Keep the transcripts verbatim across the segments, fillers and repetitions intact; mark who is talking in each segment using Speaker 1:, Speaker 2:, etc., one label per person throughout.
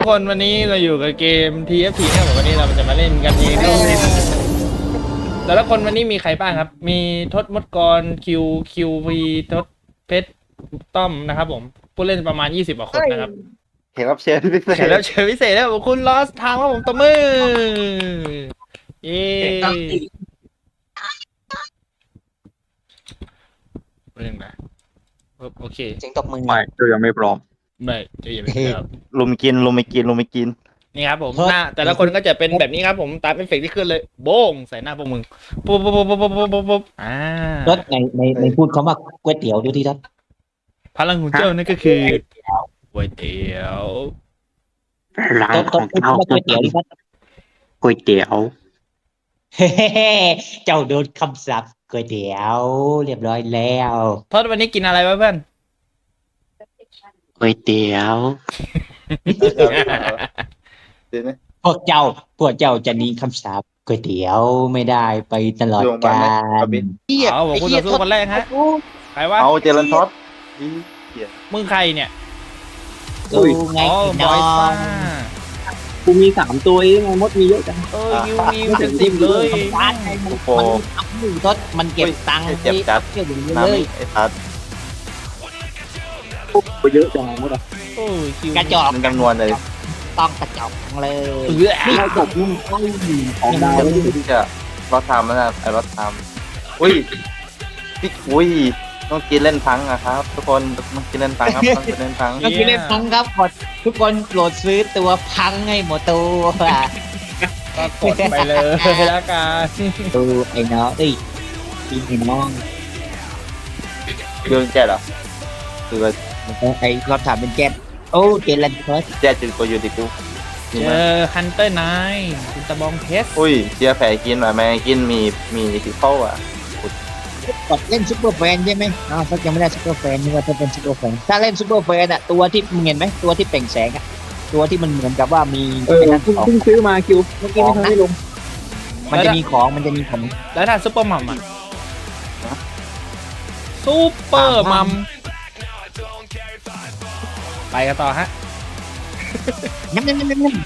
Speaker 1: คนวันนี้เราอยู่กับเกม ที เอฟ ที นะครับวันนี้เราจะมาเล่นกันเองแต่ละคนวันนี้มีใครบ้างครับมีทศมดกรคิวคิววีทศเพชรต้อมนะครับผมผู้เล่นประมาณยี่สิบกว่าคนนะครับ
Speaker 2: เห็นรับเชิญพิเศ
Speaker 1: แขก
Speaker 2: ษ
Speaker 1: รับเชิญพิเศษแล้วคุณลอสทางว่าผมตบมือเย้เรื่องนะโอเค
Speaker 3: เสียงตบมือ
Speaker 4: ไม่ตัวยังไม่พร้อม
Speaker 1: ไม่จะอย่าไปครับ
Speaker 2: ลุมกินลุมไม่กินลุมไม่กิน
Speaker 1: นี่ครับผมหน้าแต่ละคนก็จะเป็นแบบนี้ครับผมตามเอฟเฟกต์ที่ขึ้นเลยโบ้งใส่หน้าพวกมึงปุ๊บปุ๊บปุ๊บปุ๊บปุ๊บปุ๊บปุ๊บอ่าร
Speaker 3: ถในในในพูดคำว่าก๋วยเตี๋ยวดูที่รถ
Speaker 1: พลังของเจ้านั่นก็คือก๋วยเตี๋ยว
Speaker 4: ร้าน
Speaker 3: รถ
Speaker 4: ข
Speaker 3: ร
Speaker 4: อ
Speaker 3: ถ
Speaker 4: ง
Speaker 3: พูด
Speaker 4: เจ้า
Speaker 3: คำว่าก๋วยเตี๋ยวดิรถ
Speaker 4: ก๋วยเตี๋ยว
Speaker 3: เฮ้เจ้าโดนคำสาปก๋วยเตี๋ยวเรียบร้อยแล้ว
Speaker 1: ทอดวันนี้กินอะไรวะเพื่อน
Speaker 4: ก๋วยเตี๋ยว
Speaker 2: เดี๋ยวนะ
Speaker 3: พวกเจ้าพวกเจ้าจะหนีคำสาปก๋วยเตี๋ยวไม่ได้ไปตลอดกาล
Speaker 1: เอาบอกคุณต่อสู้คนแรกฮะใครวะ
Speaker 2: เอาเจริญท็อป
Speaker 1: มึงใครเนี่ย
Speaker 3: ดูไง
Speaker 1: อ๋อ
Speaker 3: พี่
Speaker 1: บ
Speaker 3: น้
Speaker 1: อ
Speaker 3: อย
Speaker 1: ซ่าง
Speaker 4: กูมีสามตัวเองไงมดมีเยอะจัง
Speaker 1: เออยูมีเป็นสิบเลย
Speaker 3: ร้านไงมัน
Speaker 2: โอ้โห
Speaker 3: มันทำอยู่รถมันเก็บตังค์
Speaker 2: เจ็บจัด
Speaker 3: เที่ยวอยู่
Speaker 2: น้ำ
Speaker 3: เลย
Speaker 2: ไอ้ทัด
Speaker 4: กูเยอะจังมดอ่ะ
Speaker 1: โอ้ยคิว
Speaker 3: กระจอก
Speaker 2: มันจำนวนเลย
Speaker 3: ต้องกระจอกเลย
Speaker 1: เออ
Speaker 4: นี่เราจบนี่ใกล้ของดาวแล้วดิ
Speaker 2: ที่จะรถทำนะไอ้รถทำอุ้ยพี่อุ้ยต้องกินเล่นพังอะครับ ทุกคนต้องกินเล่นพังครับต้องกินเล่นพัง
Speaker 3: ก็คิดเล่นพังครับกดทุกคนโปรดซื้อตัวพังให้หมดตัว
Speaker 1: ก็กดไปเลยแล้วกัน
Speaker 3: ดูไอ้น้องเอ้ยพี่ไอ้น้อง
Speaker 2: เรื่องแจ๊ดเหรอคือว่า
Speaker 3: ไอ้รถถามเป็นแก๊สโอ้เจริญเพิร์ด
Speaker 2: แจ๊ดจุดกูอยู่ที่กู
Speaker 1: เจอฮันเตอร์ไนท์คุณตะบองเพชร
Speaker 2: อุ้ยเจียแผลกินหน่อยแม่กินมีมีสิเข้าอ่ะ
Speaker 3: กดเล่นซุปเปอร์แฟนใช่ไหมอ้าวเขายังไม่ได้ซุปเปอร์แฟนนี่ว่าถ้าเป็นซุปเปอร์แฟนถ้าเล่นซุปเปอร์แฟนอะตัวที่มึงเห็นไหมตัวที่เปล่งแสงอะตัวที่มันเหมือนกับว่ามี
Speaker 4: เออ
Speaker 3: ไอ้นั่น
Speaker 4: เพิ่ง
Speaker 3: ของ
Speaker 4: เพิ่งซื้อมาคิวเมื่อกี้ไม่ทันได้ลง
Speaker 3: มันจะมีของมันจะมีของ
Speaker 1: แล้วถ้าซุปเปอร์มัมอ่ะซุปเปอร์มัมไปกันต่อฮะ
Speaker 3: นั่นนั่นนั่นนั่น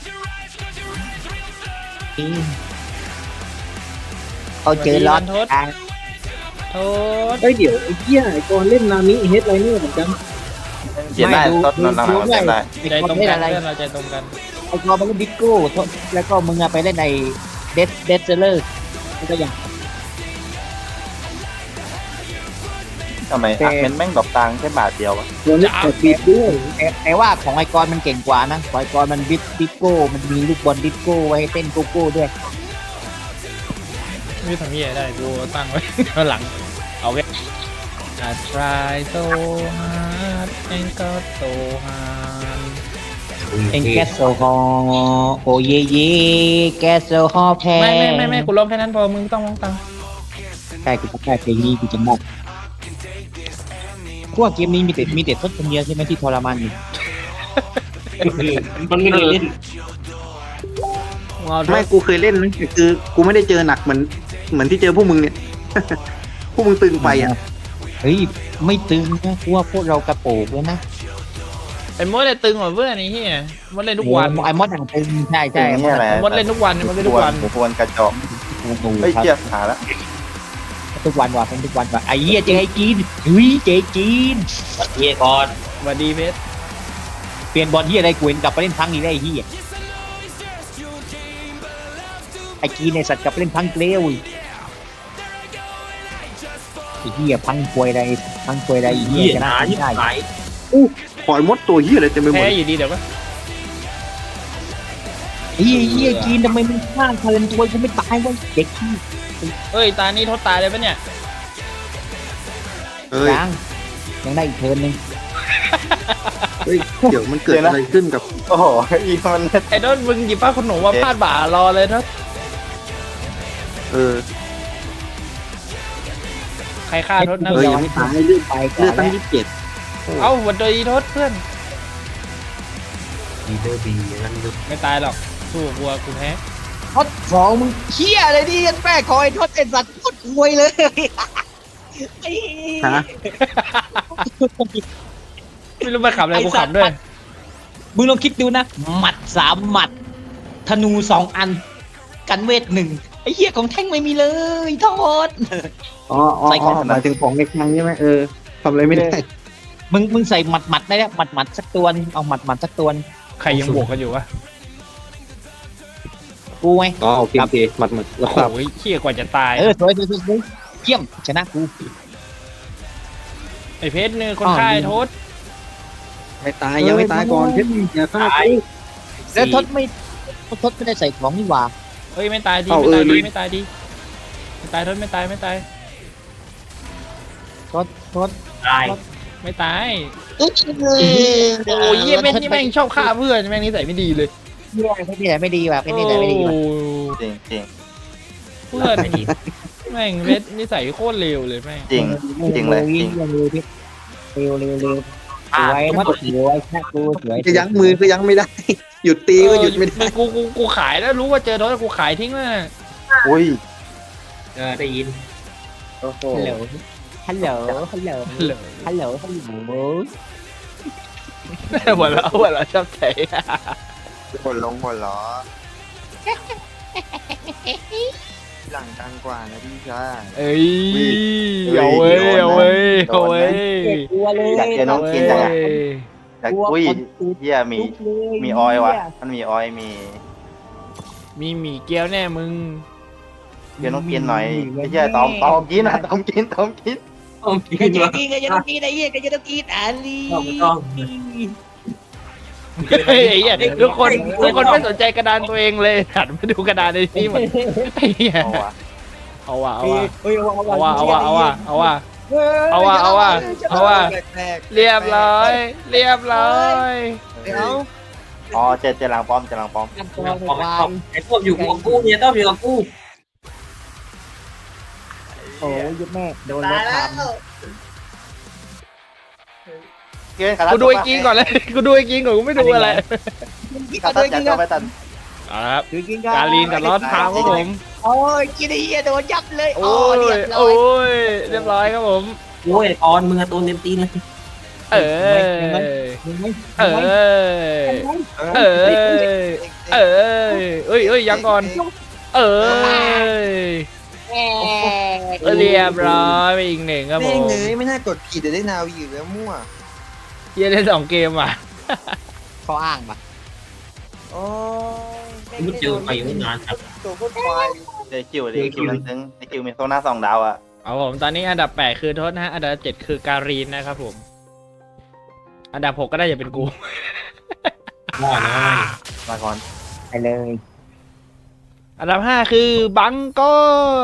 Speaker 3: เอาเจอรถทาง
Speaker 1: โทษ
Speaker 4: เฮ้ยเดี๋ยวไอ้เหี้ยไอ้กอนเล่นนามิเฮดไรเนอร์เหมือนกัน
Speaker 2: เขียนได้ต้นนานๆเขียนได้
Speaker 1: ใจตรงกันเพื่อนเราใจตรงกัน
Speaker 3: ไอ้กอมันเล่นดิโก้แล้วก็มึงอะไปเล่นในเดสเดสเซอร์ก็อย่าง
Speaker 2: ทำไมอักเมนแม่งดอกตังแค่บาทเดียวอะ
Speaker 4: ตัวนี้กดปิดด้วย
Speaker 3: แต่แต่ว่าของไอกรมันเก่งกว่านะของไอกรมันบิดดิโก้มันมีลูกบอลดิโก้ไว้ให้เต้นโกโก้ด้วย
Speaker 1: ไม่ทำยี่ได้กูตั้งไว้ข้างหลังเอาไว้ I try so hard and got so hard
Speaker 3: เอ็งแกสโซฮอโอเยเยแกสโซฮอแพ้
Speaker 1: ไม่ไม่ไม่ไม่กูร้องแค่นั้นพอมึงต้องร้องตาม
Speaker 3: ใช่กูจะได้เพลงนี้กูจะมอบพวกเกมนี้มีแต่มีแต่ทศคนเดียวใช่ไหมที่ทรมานอยู่
Speaker 4: มันไม่ได้เล่น
Speaker 1: เอา
Speaker 4: ไม่กูเคยเล่นนะแต่คือกูไม่ได้เจอหนักเหมือนเหมือนที่เจอพวกมึงเนี่ย พวกมึงตึงไปอ่ะ
Speaker 3: เฮ้ยไม่ตึงนะกูว่าพวกเรากระโปงเลยนะ
Speaker 1: ไอ้มดเลยตึงกว่าเพื่อนไอ้เหี้ยมดเล่นทุกวัน
Speaker 3: ไอ้มดอย่างตึงใช่ใช่
Speaker 2: นี่อะไร
Speaker 1: มดเล่นทุกวันมดเล่นทุกวัน
Speaker 2: หมูพวนกระจอก
Speaker 3: โอ้โห
Speaker 2: เฮ้ย
Speaker 3: ครับ
Speaker 2: เจี๊ยบหาแล้ว
Speaker 3: ทุกวันว่ะเป็นทุกวันว่ะไอ้เหี้ยเจ๊ให้กินเฮ้ยเจ๊กินเฮียก่อน
Speaker 1: สวัสดีเพชร
Speaker 3: เปลี่ยนบอลเฮียอะไรกูเห็นกลับไปเล่นพังอีกได้ไอ้เฮียไอ้กินในสัตว์กลับไปเล่นพังเกลียวอีกไอ้เฮียพังควยอะไรพังควยอะไรไอ้เฮียชนะไม่ได้
Speaker 4: อู้ขอยมดตัวเหี้ยอะไรเต็มไปหมด
Speaker 1: แพ้อยู่ดีเดี๋ยวก็
Speaker 3: ไอ้เฮียเฮียกินทำไมมึงข้างคาเลนตัวกูไม่ตายวะเด็กขี้
Speaker 1: เอ้ยตานี้ทดตายเลยปะเนี่ย
Speaker 4: เอ้ย
Speaker 3: ยังยังได้อีกเทิร์นหนึง
Speaker 4: เฮ้ยเดี๋ยวมันเกิดอะไรขึ้นกับ
Speaker 2: โอ้โหอีมัน
Speaker 1: ไอ้โดนมึงหยิบผ้าขนหนูมาพาดบ่ารอเลยทศ
Speaker 4: เออ
Speaker 1: ใครฆ่าทศนะ
Speaker 4: เออยังไม่ตายเลือด
Speaker 3: ไปก่อ
Speaker 4: เลือน ดตั้
Speaker 3: แล้
Speaker 4: ง
Speaker 3: ว
Speaker 4: ยี่สิบเจ็ด
Speaker 1: เอ้าวันโดยทศเพื่อน
Speaker 4: ดีเดอร์บีนั่นดู
Speaker 1: ไม่ตายหรอกสู้กับวัวกูแพ้
Speaker 3: ทดสองมึงเฮียอะไรดิยันแม่คอยทดไอ้สัตว์ทดควยเลยไอ้
Speaker 4: ฮะ
Speaker 1: ไม่รู้มาขับอะไรกูขับด้วย
Speaker 3: มึงลองคิดดูนะหมัดสามหมัดธนูสองอัน กันเวทหนึ่งไอ้เหี้ยของแท่งไม่มีเลยโทษ
Speaker 4: อ๋ออ๋อ
Speaker 3: ใส่ของ
Speaker 4: หมายถึงของในคลังใช่ไหมเออทำอะไรไม่ได้
Speaker 3: มึงมึงใส่หมัดหมัดได้แล้วหมัดหมัดสักตัวนึงเอาหมัดหมัดสักตัวนึง
Speaker 1: ใครยังบวกกันอยู่วะ
Speaker 3: กูไง
Speaker 4: อ๋อโอเคโอเคหมัดหมัดแล้วครับ
Speaker 1: โอ้ยเขี้ยกว่าจะตาย
Speaker 3: เออสวยสวยสวยสวยเยี่ยมชนะกู
Speaker 1: ไอเพชรเนี่ยคนค่ายโทษ
Speaker 4: ไม่ตายยังไม่ตายก่อนเพชรอย่าฆ่ากู
Speaker 3: แล้วทศไม่ทศไม่ได้ใส่ของนี่หว่า
Speaker 1: เฮ้ยไม่ตายดี
Speaker 4: เอา
Speaker 1: ไม่ตาย
Speaker 4: เออ
Speaker 1: ดี
Speaker 4: ลืม
Speaker 1: ไม่ตายดีไม่ตายทศไม่ตายไม่ตาย
Speaker 3: ทศทศ
Speaker 5: ตาย
Speaker 1: ไม่ตาย
Speaker 3: โอ้
Speaker 1: โอ้ยเยี่ยเพชรนี่แม่งชอบฆ่าเพื่อนแม่งนิสัยไม่ดีเลย
Speaker 3: เยี่ยเพชรนี่แหละไม่ดีว่ะเพชรนี่แหละไม่ดีว่ะ
Speaker 1: โอ้
Speaker 2: จริงจริง
Speaker 1: เพื่อนแม่งเพชรนิสัยโคตรเลวเลยแม่ง
Speaker 2: จริงจริงเลยจริง
Speaker 3: เร็วเร็วเร็วเร็วเร็วสวยมากสวยชนะกูสวย
Speaker 4: จะยั้งมือก็ยั้งไม่ได้ หยุดตีก็หยุดไม่ได้
Speaker 1: เออกูกูกูขายแล้วรู้ว่าเจอโทษกูขายทิ้งแล้วนะ
Speaker 2: อุ้ย
Speaker 5: เออได้ยิน
Speaker 2: โอ้โห
Speaker 3: ฮัลโหลฮัลโหลฮัลโหล
Speaker 1: เหลอ
Speaker 3: ฮัลโหลฮัลโหล
Speaker 1: หัวเราะหัวเราะชอบใจ
Speaker 6: หัวลงหัวล้อหลังดังกว่านะพี่ชาย
Speaker 1: เอ้ยเอาเว้ยเอาเว้ยเอาเว้ย
Speaker 3: กลัวเลย
Speaker 2: อยากเจอน้องกินจังอะอยาก
Speaker 3: กลัว
Speaker 2: อุ้ย
Speaker 3: คนตูด
Speaker 2: เฮียมี
Speaker 3: ลุกเลย
Speaker 2: มีออยวะมันมีออยมี
Speaker 1: มีหมี่เกี๊ยวแน่มึง
Speaker 2: เดี๋ยวน้องกินหน่อยไอ้เฮียตอมตอมกินนะตอมกินตอมกิน
Speaker 5: ต้องกิ
Speaker 3: ก็
Speaker 5: น
Speaker 3: จะ
Speaker 5: วะ
Speaker 3: กินก็จะต้องกินไอ้เหี้ยก็จะต้องกินอันนี้
Speaker 5: ต้องต้อง
Speaker 1: เฮ้ยไอ้เหี้ยทุกคนทุกคนไม่สนใจกระดานตัวเองเลยหันมาดูกระดานในที่หมดไอ้เหี้ย
Speaker 2: เอาวะ
Speaker 1: เอาว่ะเอา
Speaker 3: เฮ้ย
Speaker 1: ว่ะ
Speaker 3: เอาว่ะ
Speaker 1: เอาว่ะเอาว่ะเอาว่ะเอาว่ะ เอาว่ะเอาว่ะเอาว่ะ
Speaker 6: แปลก
Speaker 1: เรียบร้อย เรียบร้อย
Speaker 6: ๆเดี๋ยว
Speaker 2: อ๋อเจอเจอหลังป้อมเจอหลังป้อม
Speaker 3: กันตัว
Speaker 5: ต้อง
Speaker 3: วา
Speaker 5: ต้องไอ้ต้มอยู่กับกูเนี่ยต้มอยู่กับกู
Speaker 3: โอ้ยยุดแม่โดนรถทำ
Speaker 2: เกินขาด
Speaker 1: กูดูไอ้กินก่อนเลยกูดูไอ้กินก่อนกูไม่ดูอะไร
Speaker 2: ขาดตัดจัดไปตัด
Speaker 1: เอาละครับ
Speaker 3: คือกิน
Speaker 1: การลีนกับลอสพาวครับผม
Speaker 3: โอ้ยกินไอ้เหี้ยโดนยับเลย
Speaker 1: โอ้ย
Speaker 3: เรียบร้อ
Speaker 1: โอ้
Speaker 3: ย
Speaker 1: ยเรียบร้อยครับผม
Speaker 5: โอ้ยตอนมึงอะตัวเต็มตีนเลย
Speaker 1: เออ
Speaker 3: มึงไม่
Speaker 1: เออ เออ เออเอ้ยเอ้ยยังก่อน เออ
Speaker 3: แหม
Speaker 1: เรียบร้อยไปอีกหนึ่งครับผ
Speaker 6: แม่ง
Speaker 1: ม
Speaker 6: เงยไม่น่ากดผิดเดี๋ยวได้นาวีอยู่แล้วมั่ว
Speaker 1: เฮียเล่นสองเกมอ่ะ
Speaker 3: เขาอ้างปะ
Speaker 6: โอ้ย
Speaker 5: มึงเจอไปอยู่นานครับ
Speaker 6: ตัวโคตรควาย
Speaker 2: เจอคิวดิคิวมันซึ้งไอคิวมีโซน่าสองดาวอะ
Speaker 1: เอาผมตอนนี้อันดับแปดคือโทษนะฮะอันดับเจ็ดคือการีนนะครับผม อันดับหกก็ได้อย่าเป็นกู
Speaker 5: ง่อยน้อย
Speaker 2: มาก่อน
Speaker 3: ไปเลย
Speaker 1: อันดับห้าคือบังกอน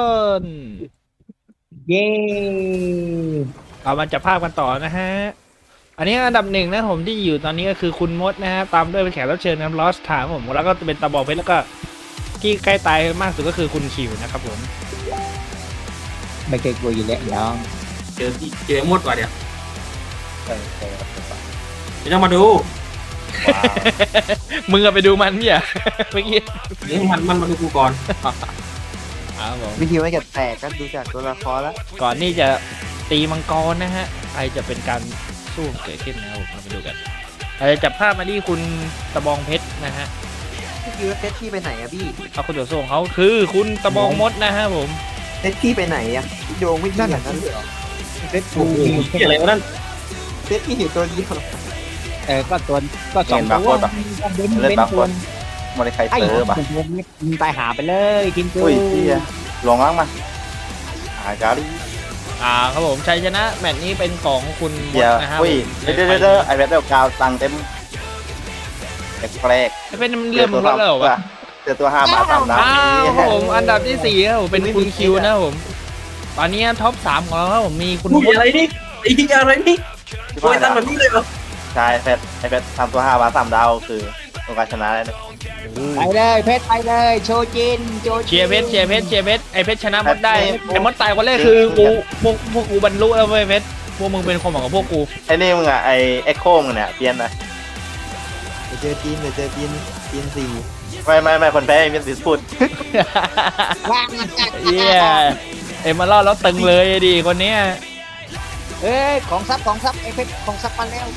Speaker 3: เย้
Speaker 1: เรามาจับภาพกันต่อนะฮะ อันนี้อันดับหนึ่งนะผมที่อยู่ตอนนี้ก็คือคุณมดนะฮะตามด้วยเป็นแขกรับเชิญนะครับลอสถามผมแล้วก็เป็นตะบองเพชรแล้วก็ที่ใกล้ตายมากสุดก็คือคุณคิวนะครับผม
Speaker 3: ไม่เคยกลัวอยู่แล้วน้อง
Speaker 5: เจอที่เจอหมดว่ะเดี๋ยว
Speaker 2: เออเออ
Speaker 5: ไม่ต้องมาดู
Speaker 2: ว้าว
Speaker 1: มึงอะไปดูมันเนี่ย เมื่อกี้
Speaker 5: เดี๋ยวมันมันมาดูกูก่อน
Speaker 1: อ้าวผม
Speaker 6: วิธีไม่เก็บแตกก็ดูจากตัวละครแล้ว
Speaker 1: ก่อนที่จะตีมังกรนะฮะใครจะเป็นการสู้เกิดขึ้นนะครับผมเราไปดูกันเราจะจับภาพมาที่คุณตะบองเพชรนะฮะ
Speaker 6: พี่คิวเพชรที่ไปไหนอะพี่
Speaker 1: เอาคุณตัวส่งเขาคือคุณตะบองมดนะฮะผม
Speaker 6: เพชรที่ไปไหนอะพี่โดงไม่นั่นอย่างนั้นเลยเหรอ
Speaker 3: เพชร
Speaker 5: โอ้โหเหี้ยอะไรวะนั่น
Speaker 6: เพชรที่อยู่ตัวเดียว
Speaker 3: เออก็ตัวก็สองตัวเบน
Speaker 2: เล่น
Speaker 3: เบน
Speaker 2: บาร์โค
Speaker 3: ตัว
Speaker 2: ดมอนิไค
Speaker 3: ไอ้
Speaker 2: เซอร์ป่ะ
Speaker 3: มึงตายหาไปเลยกินกู
Speaker 2: อุ้ยเฮียลงล่างมาหาการี
Speaker 1: อ่าครับผมชัยชนะแมตช์นี้เป็นของคุณม
Speaker 2: เฮี
Speaker 1: ด
Speaker 2: ย
Speaker 1: นะฮะ
Speaker 2: อุ้ยเด้อเด้อเด้อไอแบทเดลกาวตังเต็มแปลก
Speaker 1: ไม่เป็นเรื่องมึงลดแล้วเหรอวะ
Speaker 2: เจอตัวห้าบาทสามดาว
Speaker 1: อ้าวครับผมอันดับที่สี่ครับผมเป็นคุณคิวนะครับผม ตอนนี้ท็อปสามของเราครับผมมีคุณ
Speaker 5: กู
Speaker 1: มด
Speaker 5: อะไรนี่ไอ้เหี้ยอะไรนี่โอ้ยตั้งแบบนี้เลยเหรอ
Speaker 2: ใช่แฟดไอแฟดทำตัวห้าบาทสามดาวคือตัวการชนะแล้ว
Speaker 3: ไปเลยเพชรไปเลยโชจินโชจิน
Speaker 1: เชียร์เพชรเชียร์เพชรเชียร์เพชรไอเพชรชนะมดได้ไอมดตายคนแรกคือกูพวกพวกกูบรรลุแล้วเว้ยเพชรพวกมึงเป็นความหวังของพวกกู
Speaker 2: ไอนี่มึงอะไอเอ็กโคมึงเนี่ยเปลี่ยนนะ
Speaker 6: เดี๋ยวเจอจีนเดี๋ยวเจอจีนจีนสี่
Speaker 2: ไม่ไม่ไม่คนแพ้มีสิทธิ์พูด
Speaker 3: ว่าง
Speaker 1: เยี่ยเอ็มมาล่อแล้วตึงเลยดิคนเนี้ย
Speaker 3: เอ้ยของซับของซับไอ้เพชรของซับมาแล้ว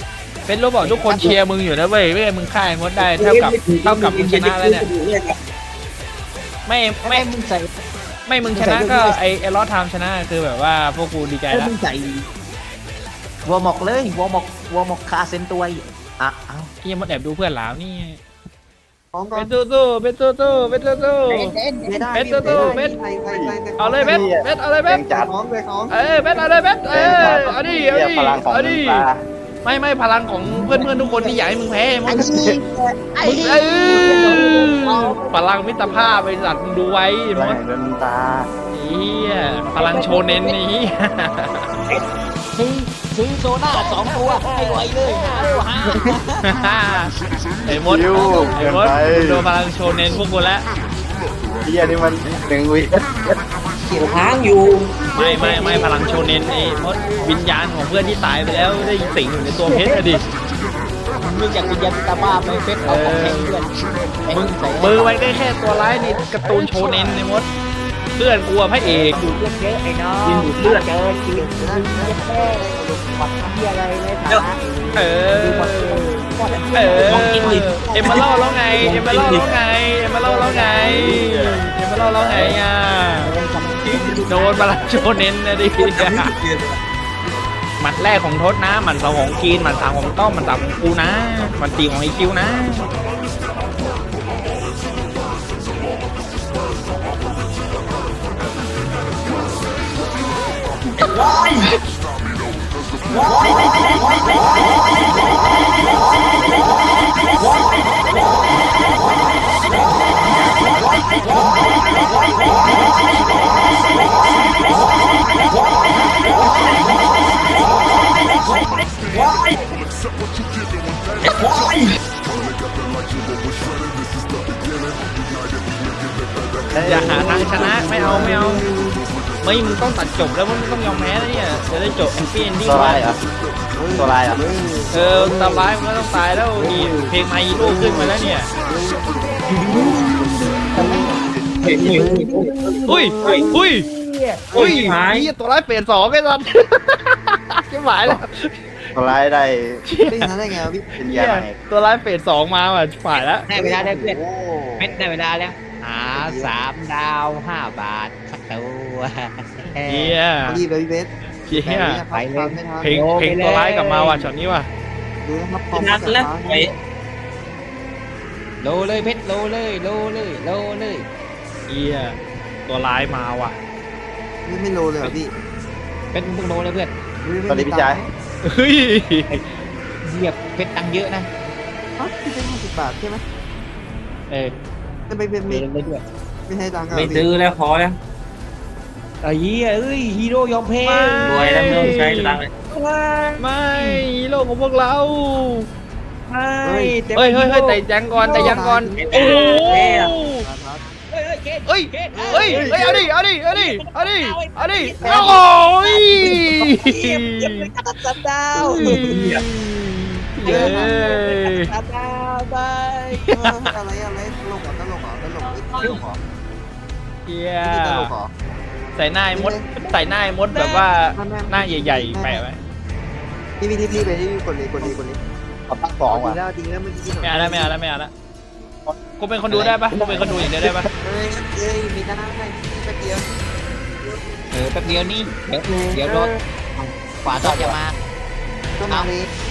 Speaker 1: เป็นรู้บอกทุกคนเชียร์มึงอยู่นะเว้ยไม่งั้นมึงฆ่าไอ้มดได้เท่ากับเท่ากับมึงชนะแล้วเนี่ยไม่
Speaker 3: ไม่
Speaker 1: ไม่
Speaker 3: มึงใส่
Speaker 1: ไม่มึงชนะก็ไอไอลอสไทม์ชนะคือแบบว่าพวกกูดีใจ
Speaker 3: ไอ้
Speaker 1: แล้ว
Speaker 3: มึงใส่วัวหมอกเลยวัวหมอกวัวหมอกคาเซนตัวอีกอ่ะเอา
Speaker 1: ที่ยังมดแอบดูเพื่อนหลาวนี่
Speaker 6: ของก่อ
Speaker 1: เป็น นตู้ตู้เป็นตู้ตู้เป็นตู้ตู้
Speaker 3: เด่นเด่น
Speaker 6: ไม่ได้
Speaker 1: เบ็ดตัวตัวเบ็ด
Speaker 6: ไปไปไปไป
Speaker 1: เอาเลยเบ็ดเบ็ดเอาเลยเบ็ด
Speaker 2: แรงจัด
Speaker 6: ของไปของ
Speaker 1: เอ้ยเบ็ดเอาเลยเบ็ดเอ้ยเอาดิเอาดิ
Speaker 2: พลังของ
Speaker 1: เอา
Speaker 2: มึ
Speaker 1: ดิ
Speaker 2: งปลา
Speaker 1: ไม่ไม่พลังของเพื่อนเพื่อนทุกคนที่อยากให้มึงแพ้ม
Speaker 3: ไอ้
Speaker 1: ด
Speaker 3: นี่ไอ้
Speaker 1: มึง
Speaker 3: นี่
Speaker 1: เออพลังมิตรภาพไปสัตว์มึงดูไว้
Speaker 2: แร
Speaker 1: ม
Speaker 2: ง
Speaker 1: ด
Speaker 2: เดินตา
Speaker 1: เฮียพลังโชเน้นนี้
Speaker 3: ซื้อซื้อโซน่าสองตัวให้ไวเลยหาเร็วหา
Speaker 1: ไอ้มด
Speaker 2: คิว
Speaker 1: ไอ้
Speaker 2: เกิน
Speaker 1: มด
Speaker 2: ไป
Speaker 1: โดนพลังโชเน้นพวกกูแล้ว
Speaker 2: เฮียนี่มันหนึ่งวิ
Speaker 5: เขียวค้างอยู่
Speaker 1: ไม่ไม่ไม่พลังโชเน้นไอ้มดวิญญาณของเพื่อนที่ตายไปแล้วได้สิงอยู่ในตัวเพชรอะดิ
Speaker 3: มึงอยากกินยาพิตาบ้าไปเฟสเอาของแทงเพื่อน
Speaker 1: มึงมือไว้ได้แค่ตัวร้ายในการ์ตูนโชเน้นในมดเพื่อนกลัวพระเอก
Speaker 3: ดูดเลือดเยอะไอ้น้อง
Speaker 5: กินดูดเลือด
Speaker 3: เจอจริงมึงจะแค่หวัดที่อะไรในฐานะ
Speaker 1: เออเออเอ็มมาเล่าแล้วไงเอ็มมาเล่าแล้วไงเอ็มมาเล่าแล้วไงเอ็มมาเล่าแล้วไงอ่ะโดนพลังโชเน้นนะดิหมัดแรกของทศนะหมัดสองของกีนหมัดสามของต้อมหมัดสามของกูนะหมัดสี่ของไอคิวนะ อย่าหาทางชนะไม่เอาไม่เอาไม่มึงต้องตัดจบแล้วมึงต้องยอมแพ้นะเนี่ยจะได้จบแฮปปี้เอนดิ้ง
Speaker 2: ตัว
Speaker 1: ไว้
Speaker 2: ลายเหรอตัวลายเหรอ
Speaker 1: เออตำร้ายมันก็ต้องตายแล้วนี่เพลงมาอีโร่ขึ้นมาแล้วเนี่ยอุ้ยอุ้ยอุ้ยอุ้ยหายตัวร้ายเปลี่ยนสองไอ้สัสจะหมายแล้ว
Speaker 2: ตัวลายได้
Speaker 6: ได้ชนะได้ไงวะพี่
Speaker 2: เป็นยาไหน
Speaker 1: ตัวร้ายเปลี่ยนสองมาว่ะฝ่ายแล้ว
Speaker 3: ได้เวลาได้เพื่อน
Speaker 6: โอ้
Speaker 3: เม็ดได้เวลาแล้วหาสามดาวห้าบาทสักตัว
Speaker 1: เฮีย
Speaker 6: รีบเลยพี่เบส
Speaker 1: เฮีย
Speaker 3: ไปเลย
Speaker 6: ไม่ทัน
Speaker 1: เพลงเพลงตัวร้ายกลับมาว่ะช็อตนี้ว่ะ
Speaker 6: ดูนะครับ
Speaker 5: ชนะแล้วไป
Speaker 3: โลเลยเพชรโลเลยโลเลยโลเลย
Speaker 1: เฮียตัวร้ายมาว่ะ
Speaker 6: ไม่ไม่โลเลยเหรอพี่
Speaker 3: เป็นมึงโลเลยเพื่อน
Speaker 2: สวัสดีพี่ชาย
Speaker 1: เฮ้ย
Speaker 3: เหยียบเพชรตังค์เยอะนะ
Speaker 6: ฮะพี่เป็นห้าสิบบาทใช่ไหม
Speaker 3: เออ
Speaker 6: จะไปเป็น
Speaker 3: เล
Speaker 6: ไม่
Speaker 3: ยเลยด้วย
Speaker 6: ไม่ให้ตังค์
Speaker 5: ไม่ซื้อแล้วพอแล้ว
Speaker 3: ไอ้เหี้ยเอ้ยฮีโร่ยอมแพ้
Speaker 5: รวยแล้วไม่ต้องใช้ตังค์เลย
Speaker 1: ไม่ฮีโร่ของพวกเรา
Speaker 3: ไม่แต่
Speaker 1: เฮ้ยเฮ้ยเฮ้ยแต่ยังก่อนแต่ยังก่อนโอ้โห
Speaker 3: เฮ้ยเฮ้ยเกต
Speaker 1: เฮ้ย
Speaker 3: เกต
Speaker 1: เฮ้ยเฮ้ยเอาดิเอาดิเอาดิเอาดิเอาดิโอ้ย
Speaker 3: เยี่ยมเยี่ยมเลยตัดสันดาว
Speaker 1: เย้
Speaker 3: ตัดดาวไป
Speaker 6: อะไรอะไรตลกเหรอตลกเหรอตลกตลกเหรอ
Speaker 1: เฮีย
Speaker 6: พี่ตลกเหรอ
Speaker 1: ใส่หน้าไอ้มดใส่หน้าไอ้มดแบบว่าหน้าใหญ่ๆแปะไว้
Speaker 6: พี่พี่ที่พี่ไปที่กดเลยกดเลยกดเลย
Speaker 2: เอาตั้งสอง
Speaker 6: ดี
Speaker 2: ว่ะ
Speaker 6: แล้วดีแล้วเมื่อกี้
Speaker 1: ไม่เอาแล้วไม่เอาแล้วไม่เอาแล้วกูเป็นคนดูได้ปะกูเป็นคนดูอย่างเดียวได้ปะ
Speaker 6: เฮ้ยเฮ้ยมีหน้าให้แป๊บเดียว
Speaker 3: เออแป๊บเดียวนี่เดี๋ยวเดี๋ยวรถขวาต่อจะมา
Speaker 6: ก็มาเลย
Speaker 3: เ